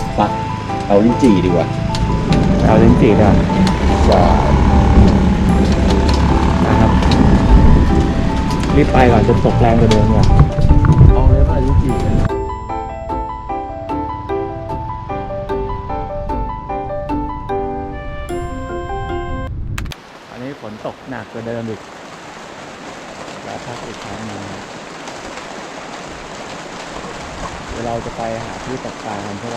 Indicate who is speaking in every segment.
Speaker 1: ปะเอาลิ้นจี่ดีกว่า
Speaker 2: เอาลิ้นจี่ดีกว่า
Speaker 1: จะ
Speaker 2: นะครับรีบไปก่อนจะตกแรงกว่าเดิมเนี่ย
Speaker 1: เอาเลยป่ะลิ้นจี่เนี่ย
Speaker 2: อันนี้ฝนตกหนักกว่าเดิมอีกแล้วพักอีกครั้งหนึงเดี๋ยวเราจะไปหาที่ตกปลากันใช่ไหม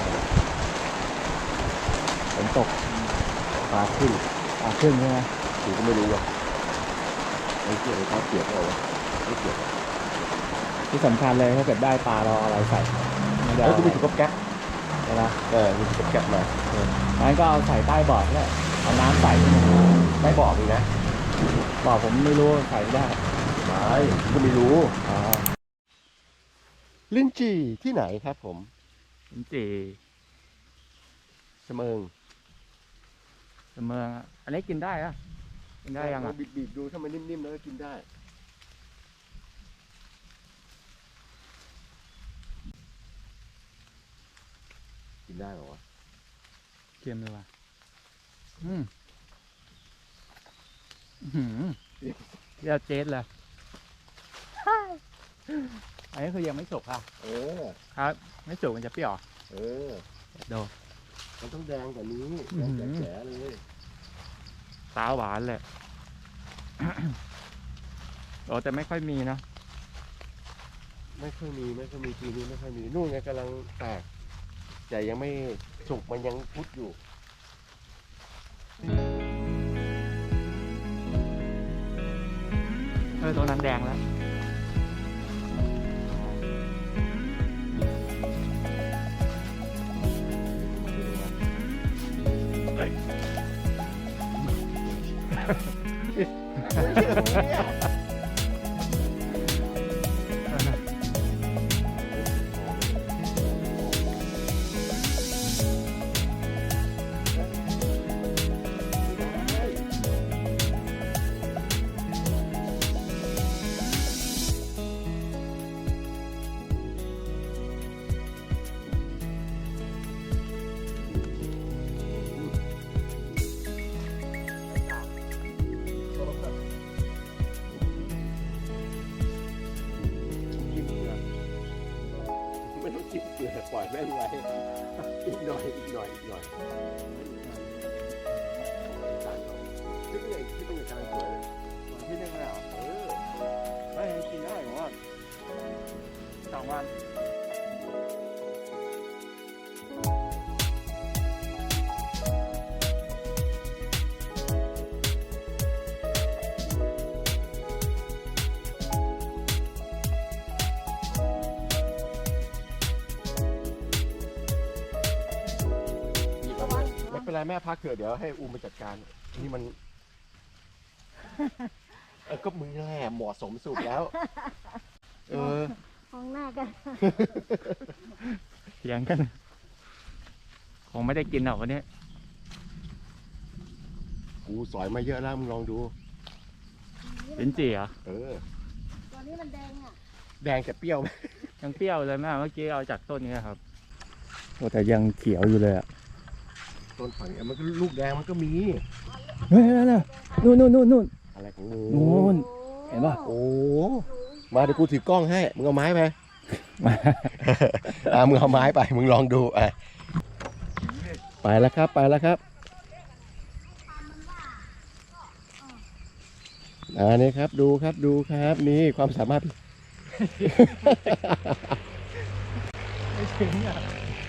Speaker 2: ฝนตก
Speaker 1: ปลาขึ้น
Speaker 2: ปลาขึ้นใช่ไหม
Speaker 1: กูก็ไม่รู้ว่ะไม่เกี่ยวกับข้าวเปียกหรอวะไม่เกี่ยว
Speaker 2: ที่สำคัญเลยถ้าเกิดได้ปลาเราเอาอะไรใส่ไม่ได้
Speaker 1: แล้ว
Speaker 2: เอา
Speaker 1: กู
Speaker 2: อะไร
Speaker 1: มีถุงกับแก๊ป
Speaker 2: ใช่ไหม
Speaker 1: มีถุงกับแก๊ปมา
Speaker 2: งั้นก็เอาใส่ใต้บอร์ดแล้วเอาน้ำใส่ขึ้นมา
Speaker 1: ไม่บอกเลยนะ
Speaker 2: บอร์ดผมไม่รู้ใส่ไม่ได้
Speaker 1: ไม่กูก็ไม่รู้
Speaker 2: อ๋อ
Speaker 1: ลิ้นจี่ที่ไหนครับผม
Speaker 2: ลิ้นจี่
Speaker 1: เสมิง
Speaker 2: เมืองอะอันนี้กินได้อะกินได้ยังอ่ะ
Speaker 1: บีบๆดูถ้ามันนิ่มๆแล้วก็กินได้กินได้เหรอวะ
Speaker 2: เค็มเลยว่ะอืมอื้อหือเรียกเจ๊ดเลยอันนี้คือยังไม่สุกอ่ะ
Speaker 1: เออ
Speaker 2: ครับ ไม่สุกมันจะเปรี้ยว
Speaker 1: เออ
Speaker 2: ดู
Speaker 1: มันต้องแดงกว่านี้
Speaker 2: อื้
Speaker 1: แด
Speaker 2: อง หือ
Speaker 1: แจ๋ๆเลย
Speaker 2: ตาหวานเลย โอ้แต่ไม่ค่อยมีนะ
Speaker 1: ไม่ค่อยมีปีนี้ไม่ค่อยมีนู่นไงกำลังแตกแต่ยังไม่สุกมันยังพุดอยู่
Speaker 2: ตัวนั้นแดงแล้ว
Speaker 1: ไม่ต้องจิ้มเกลือปล่อยแม่งไว้อีกหน่อยคิดว่าไงการสวยเลย
Speaker 2: ที่หนึ่งเลยเหรอ
Speaker 1: เออ
Speaker 2: ไม่กินได้ผมว่า2 วัน
Speaker 1: ไม่เป็นไรแม่พักเถอะเดี๋ยวให้อูมมาจัดการนี่มันก็มึงแหละเหมาะสมสุดแล้ว เออ
Speaker 3: มองหน้ากัน
Speaker 2: เถียงกัน คงไม่ได้กินหรอกวันนี้
Speaker 1: กูสอยมาเยอะแล้วมึงลองดู
Speaker 2: ลิ้นจี่เหรอ
Speaker 1: เออ
Speaker 3: ตอนนี้มันแดงอ่ะ
Speaker 1: แดงแต่เปรี้ยวไหม
Speaker 2: ยังเปรี้ยวเลยแม่เมื่อกี้เอาจากต้นนี้ครับโอ้แต่ยังเขียวอยู่เลยอ่ะ
Speaker 1: ต้นฝั่งเนี่ยมันก็ลูกแดงมันก็มี
Speaker 2: เฮ้ยนั่นนู่น
Speaker 1: อะไรของมึง
Speaker 2: นู่น เห็นปะ
Speaker 1: โอ้มาเดี๋ยวกูถือกล้องให้มึงเอาไม้ไป
Speaker 2: มา
Speaker 1: มึงเอาไม้ไปมึงลองดูไปแล้วครับนี่ครับดูครับนี่ความสามารถ
Speaker 2: ไม่ถึงอ่ะ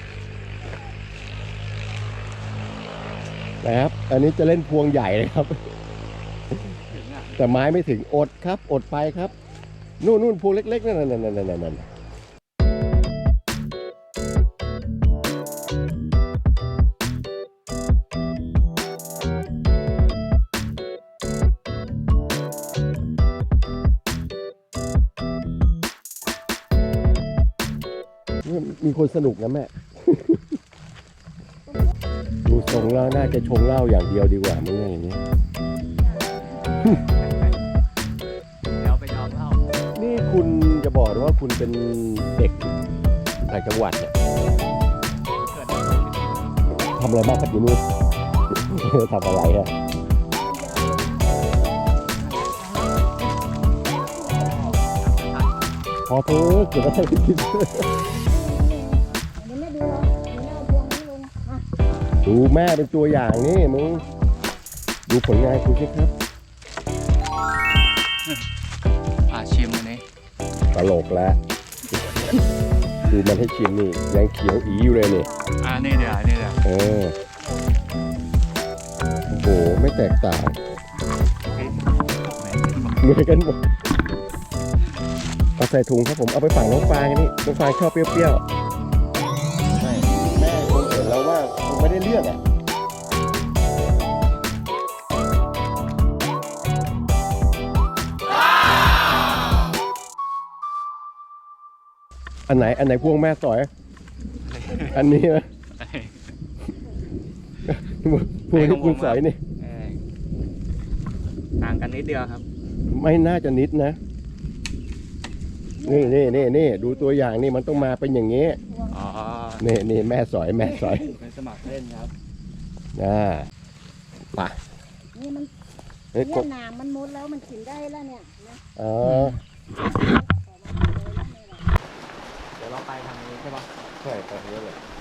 Speaker 1: นะครับอันนี้จะเล่นพวงใหญ่เลยครับ
Speaker 2: ถึงอ่ะ
Speaker 1: แต่ไม้ไม่ถึงอดครับอดไปครับนู่นพวงเล็กๆนั่นมีคนสนุกนะแม่ ดูทรงแล้วน่าจะชงเหล้าอย่างเดียวดีกว่ามึงอย่างนี้
Speaker 2: เดี๋ยวไปยอมเล่า
Speaker 1: นี่คุณจะบอกว่าคุณเป็นเด็กต่างจังหวัดเนี่ย
Speaker 2: เกิด
Speaker 1: ทำอะไรบ้างครับอยู่นู่น ทำอะไรอะพอเถอะเกิดอะไรขึ้น
Speaker 3: เดี๋ยวแม่ดูเหรอเดี๋ยวแม่เอาพวงนี้ลงอ่ะ
Speaker 1: ดูแม่เป็นตัวอย่างนี่มึงดูผลงานคุณสิครับ
Speaker 2: ชิมอันนี้
Speaker 1: ตลกแล้ว ดูมันให้ชิมนี่ยังเขียวอีอยู่เลยนี่
Speaker 2: นี่เดี๋ยวนี่เดี๋ยว
Speaker 1: เออโอ้โหไม่แตกต่างเหมือนกันหมดเอาใส่ถุงครับผมเอาไปฝังน้องฟางกันนี่น้องฟางชอบเปรี้ยวๆไม่แม่คงเห็นแล้วว่าคงไม่ได้เลือกอ่ะอันไหนพวงแม่สอย อันนี้นะพวงที่คุณสอยนี่
Speaker 2: ต่างกันนิดเดียวครับ
Speaker 1: ไม่น่าจะนิดนะ นี่ดูตัวอย่างนี่มันต้องมาเป็นอย่างนี้
Speaker 2: อ๋อ
Speaker 1: นี่แม่สอย
Speaker 2: เป็นสมัครเล่นครับ
Speaker 1: ไป
Speaker 3: นี่มัน
Speaker 1: เฮ้ย
Speaker 3: เนี่ยหนามมันมุดแล้วมันกินได้แล้วเนี่ยนะ
Speaker 1: อ๋อ
Speaker 2: เดี๋ยวเราไปทางนี้ใช่ปะ
Speaker 1: ใช่ไปนี้เลย